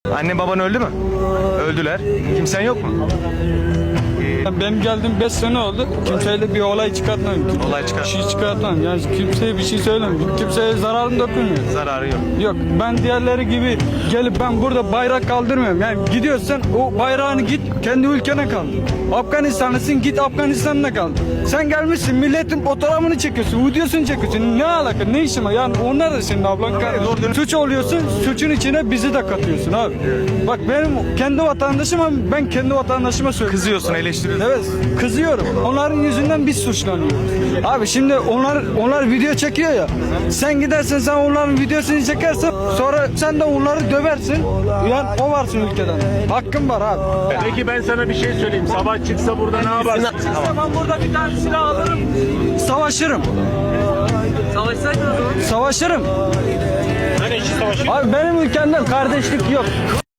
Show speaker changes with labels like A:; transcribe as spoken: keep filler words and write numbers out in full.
A: Annen baban öldü mü? Öldüler. Kimsen yok mu?
B: Benim geldiğim beş sene oldu. Kimseyle bir olay çıkartmam.
A: Olay çıkart-
B: Bir şey çıkartmam. Yani kimseye bir şey söylemiyorum. Kimseye zararım dokunmuyor.
A: Zararı yok.
B: Yok, ben diğerleri gibi gelip ben burada bayrak kaldırmıyorum. Yani gidiyorsan o bayrağını git kendi ülkene kaldır. Afganistanlısın, git Afganistan'da kaldır. Sen gelmişsin milletin fotoğrafını çekiyorsun, videosunu çekiyorsun. Ne alaka, ne işin var? Yani onlar da senin ablan kardeşin. Suç oluyorsun, suçun içine bizi de katıyorsun abi. Bak benim kendi vatandaşım ama ben kendi vatandaşıma söylüyorum.
A: Kızıyorsun, eleştiriyorsun.
B: Evet, kızıyorum. Onların yüzünden biz suçlanıyoruz. Abi şimdi onlar onlar video çekiyor ya. Sen gidersen sen onların videosunu çekersen sonra sen de onları döversin. Yani o varsın ülkeden. Hakkın var abi.
C: Peki ben sana bir şey söyleyeyim. Sabah çıksa burada ne yaparsın?
B: İşte ben burada bir tane silah alırım. Savaşırım.
D: Savaşsaydın o zaman.
B: Savaşırım.
C: Hani işi savaşı
B: Abi benim ülkemde kardeşlik yok.